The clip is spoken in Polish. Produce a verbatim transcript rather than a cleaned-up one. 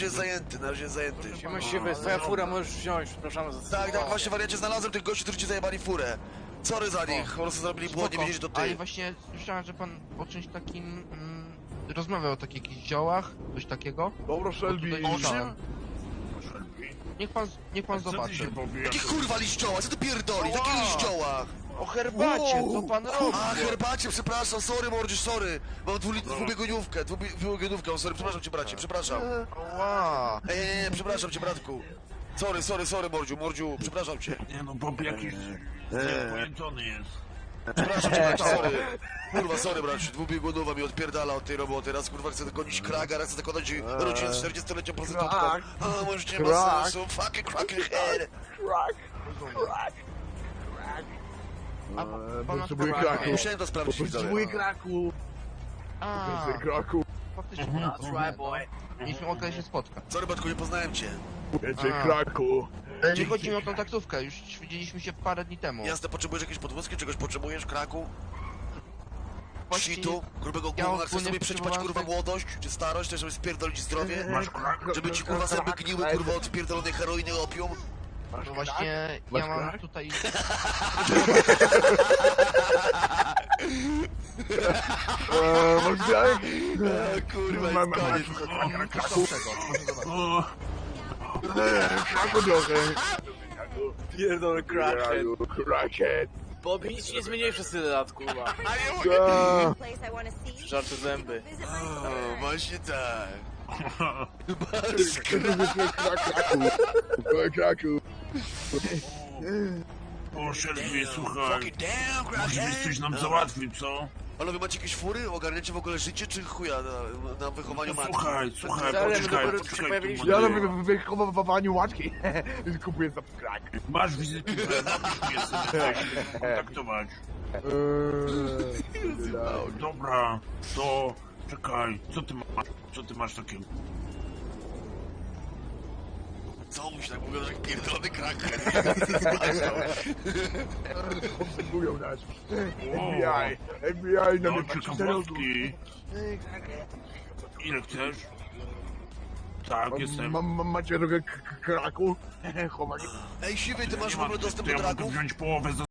jest zajęty, na razie jest zajęty. Siema siwy, twoja fura możesz wziąć, przepraszam za... Tak, tak, właśnie wariacie, znalazłem tych gości, którzy ci zajebali furę. Sorry za nich, po prostu zrobili błąd, nie wiedzieli, że to Ale ty. właśnie słyszałem, że pan o czymś takim mm, rozmawiał o takich jakichś ziołach, coś takiego. Dobra, Shelby. Tutaj słyszałem. Niech pan, niech pan Co ty zobaczy. się powie? Jakie kurwa liścioła, co ty pierdolisz, jakie Ała! liścioła? O herbacie, co pan robi? A, herbacie, przepraszam, sorry mordzisz, sorry. Mam dwuli- dwubiegunówkę, dwubi- dwubiegunówkę, sorry, przepraszam cię bracie, przepraszam. Ła. Ej, nie, nie, przepraszam cię bratku. Sorry, sorry, sorry mordziu, mordziu, przepraszam cię. Nie no, Bob jakiś pojęczony jest. Przepraszam cię bracie, sorry. Kurwa, sorry bracie, dwubiegunowa mi odpierdala od tej roboty. Raz kurwa chcę gonić kraga, raz chcę zakładać rodzinę z czterdziestoletnią prostytutką. A, może nie ma sensu, fucking cracking head. Crack. Crack. A Eee, pana potrzebuję sprawa- kraku. Musiałem to sprawdzić, Potrzebuję widzowie. kraku. A, Więcej kraku. faktycznie. Mhm. right, boy. Mieliśmy okazję się spotkać. Sorry bratku, nie poznałem cię. Więcej A. kraku. Nie chodzi mi o tą taksówkę, już widzieliśmy się parę dni temu. Jasne, potrzebujesz jakieś podwózki, czegoś potrzebujesz, kraku? Właściwie Shitu, grubego ja gówna, chcesz ogólnie sobie przećpać kurwa potrzebowałem- młodość, czy starość, chcesz sobie spierdolić zdrowie? Masz krak? Żeby ci kurwa zęby gniły kurwa od pierdolonej heroiny opium? No właśnie, Masz ja mam krak? tutaj... Eee, masz krak? Eee, kurwa, Mam- jest mam- koniec. Mam coś lepszego, proszę zobaczyć. O, Eee, kraku trochę. Pierdolę crackhead. Kraku, Crackhead. Bobby, nic się nie zmieniłeś przez tyle lat, kurwa. Ta. Żarty zęby. O, właśnie tak. Krak, kraku. Eee, kraku. o Shelby, słuchaj. Fucking damn, Może byś crackhead. coś nam załatwił, co? Ale wy macie jakieś fury? Ogarniacie w ogóle życie, czy chuja na, na wychowaniu matki? Słuchaj, słuchaj, Ale my poczekaj, dopiero się poczekaj. pojawiliśmy. tu, Ja młody. na wychowywaniu łaczki. Kupuję za krak. Masz wizytówkę, napisz mnie sobie, tak, kontaktować. Eee, Dobra, to czekaj, co ty masz? Co ty masz takiego? Co mi się tak mówią, że pierdolony crackhead? obserwują nas. F B I. F B I na No, mnie patrzy za rogu. ciekawostki. Ile chcesz? Tak, jestem. Mam, mam, macie trochę k- k- kraku? Chowali. Ej, siwy, ty Ja masz nie w mam, ogóle dostęp to do ja mogę dragów? wziąć połowę za